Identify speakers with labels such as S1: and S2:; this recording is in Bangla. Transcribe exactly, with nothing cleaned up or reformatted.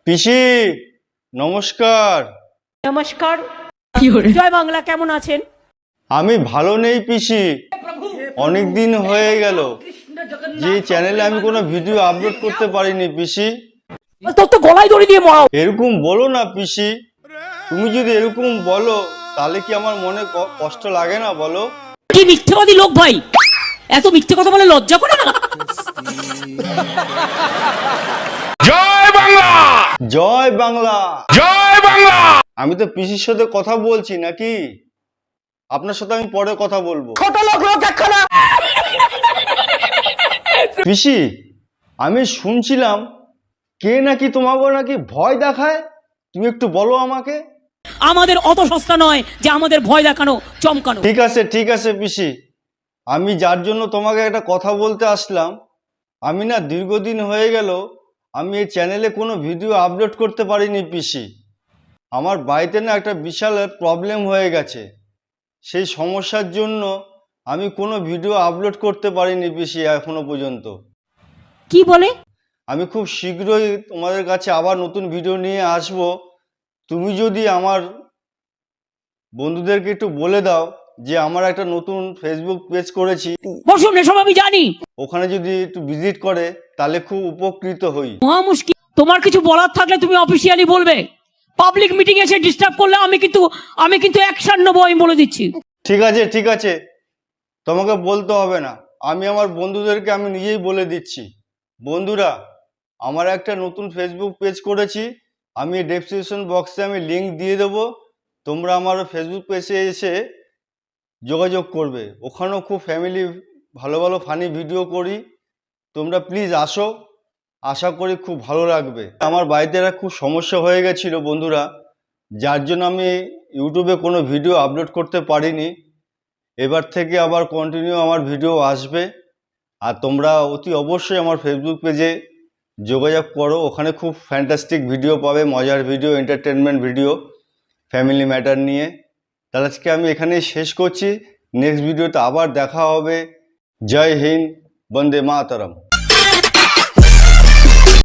S1: পিসি নমস্কার।
S2: নমস্কার। জয় বাংলা। কেমন আছেন?
S1: আমি ভালো নেই পিসি, অনেক দিন হয়ে গেল যে চ্যানেলে আমি কোনো ভিডিও আপলোড করতে পারিনি পিসি।
S2: তোর তো গলায় দড়ি দিয়ে মরাও।
S1: এরকম বলো না পিসি, তুমি যদি এরকম বলো তাহলে কি আমার মনে ক- কষ্ট লাগে না বলো?
S2: কি মিথ্যেবাদী লোক ভাই, এত মিথ্যে কথা বলে লজ্জা করে না?
S1: জয় বাংলা, জয় বাংলা, জয় বাংলা। আমি তো পিসির সাথে কথা বলছি নাকি, আপনার সাথে আমি পরে কথা বলবো।
S2: ছোট লোক লোক একখানা।
S1: পিসি আমি শুনছিলাম কে নাকি তোমাকে নাকি ভয় দেখায়, তুমি একটু বলো আমাকে।
S2: আমাদের অত সস্তা নয় যে আমাদের ভয় দেখানো চমকানো।
S1: ঠিক আছে ঠিক আছে পিসি, আমি যার জন্য তোমাকে একটা কথা বলতে আসলাম, আমি না দীর্ঘদিন হয়ে গেল আমি এই চ্যানেলে কোনো ভিডিও আপলোড করতে পারিনি পিসি। আমার বাড়িতে না একটা বিশাল প্রবলেম হয়ে গেছে, সেই সমস্যার জন্য আমি কোনো ভিডিও আপলোড করতে পারিনি পিসি এখনো পর্যন্ত।
S2: কি বলে?
S1: আমি খুব শীঘ্রই তোমাদের কাছে আবার নতুন ভিডিও নিয়ে আসব। তুমি যদি আমার বন্ধুদেরকে একটু বলে দাও যে আমার একটা নতুন ফেসবুক পেজ করেছি,
S2: বসুন, এসব আমি জানি।
S1: ওখানে যদি একটু ভিজিট করে তাহলে খুব উপকৃত হই।
S2: মহা মুশকিল। তোমার কিছু বলার থাকলে তুমি অফিসিয়ালি বলবে, পাবলিক মিটিং এসে ডিস্টার্ব করলে আমি কিন্তু আমি কিন্তু অ্যাকশন নেবো, আমি বলে দিচ্ছি।
S1: ঠিক আছে ঠিক আছে, তোমাকে বলতে হবে না, আমি আমার বন্ধুদেরকে আমি নিজেই বলে দিচ্ছি। বন্ধুরা, আমার একটা নতুন ফেসবুক পেজ করেছি, আমি ডেসক্রিপশন বক্সে আমি লিংক দিয়ে দেবো, তোমরা আমার ফেসবুক পেজে এসে যোগাযোগ করবে। ওখানেও খুব ফ্যামিলি ভালো ভালো ফানি ভিডিও করি, তোমরা প্লিজ আসো, আশা করি খুব ভালো লাগবে। আমার বাড়িতে একটা খুব সমস্যা হয়ে গেছিল বন্ধুরা, যার জন্য আমি ইউটিউবে কোনো ভিডিও আপলোড করতে পারিনি। এবার থেকে আবার কন্টিনিউ আমার ভিডিও আসবে, আর তোমরা অতি অবশ্যই আমার ফেসবুক পেজে যোগাযোগ করো, ওখানে খুব ফ্যান্টাস্টিক ভিডিও পাবে, মজার video, entertainment video, family matter নিয়ে। তাহলে আজকে আমি এখানেই শেষ করছি, নেক্সট ভিডিওতে আবার দেখা হবে। জয় হিন্দ, বন্দে মাতরম।